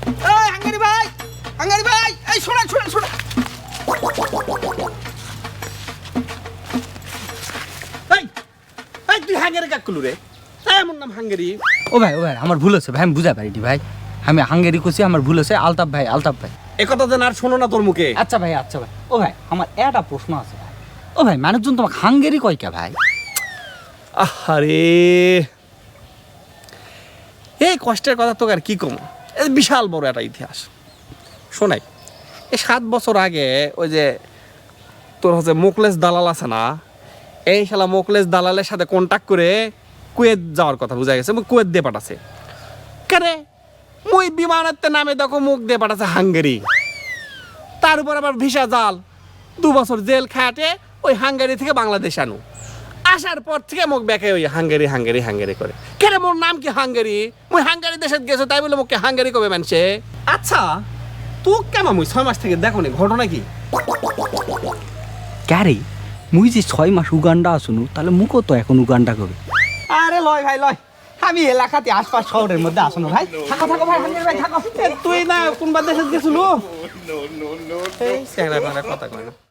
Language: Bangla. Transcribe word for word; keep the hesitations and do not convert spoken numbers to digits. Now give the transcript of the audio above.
এই হাঙ্গারি ভাই, হাঙ্গারি ভাই, এই শোনা শোনা শোনা। এই এই তুই হাঙ্গারি কাক করলু রে? এমন নাম হাঙ্গারি? ও ভাই ও ভাই আমার ভুল হচ্ছে ভাই, আমি বুঝা পারিনি ভাই, আমি হাঙ্গেরি করছি, আমার ভুল হচ্ছে। আলতাফ ভাই, আলতাফ ভাই। এ কথা যেন আর শোনো না তোর মুখে। আচ্ছা ভাই, আচ্ছা ভাই। ও ভাই আমার একটা প্রশ্ন আছে ভাই। ও ভাই মানুষজন তোমাকে হাঙ্গেরি কয় কে ভাই? আরে এই কষ্টের কথা তোকে আর কি কম, এই বিশাল বড় একটা ইতিহাস শোনাই। এই সাত বছর আগে ওই যে তোর হচ্ছে মোকলেস দালাল আছে না, এই শালা মোকলেস দালালের সাথে কন্ট্যাক্ট করে কুয়েত যাওয়ার কথা বোঝা গেছে, কুয়েত দিয়ে পাঠাছে। কেরে মুই বিমানের নামে দেখো মুখ দিয়ে পাঠাচ্ছে হাঙ্গেরি, তার উপর আবার ভিসা জাল, দু বছর জেল খাটে ওই হাঙ্গেরি থেকে বাংলাদেশ আনু, আসার পর থেকে মুখ ব্যাকে ওই হাঙ্গেরি হাঙ্গেরি হাঙ্গেরি করে। কেন মোর নাম কি হাঙ্গেরি? মুই হাঙ্গেরি দেশে গেছো তাই বলে মুখকে হাঙ্গেরি কবে মানছে? আচ্ছা তো কেমন মুই ছয় মাস থেকে দেখো নি ঘটনা কি? ক্যারে মুই যে ছয় মাস উগান্ডা আসুনু, তাহলে মুখও তো এখন উগান্ডা করবে। আরে লয় ভাই লয়, আমি এলাকাতে আশপাশ শহরের মধ্যে আসুন ভাই। থাকো থাকো ভাই, হাঙ্গেরি ভাই থাকো। তুই না কোনবা দেশে গেছিল? এই স্যাংরা কথা কয় না।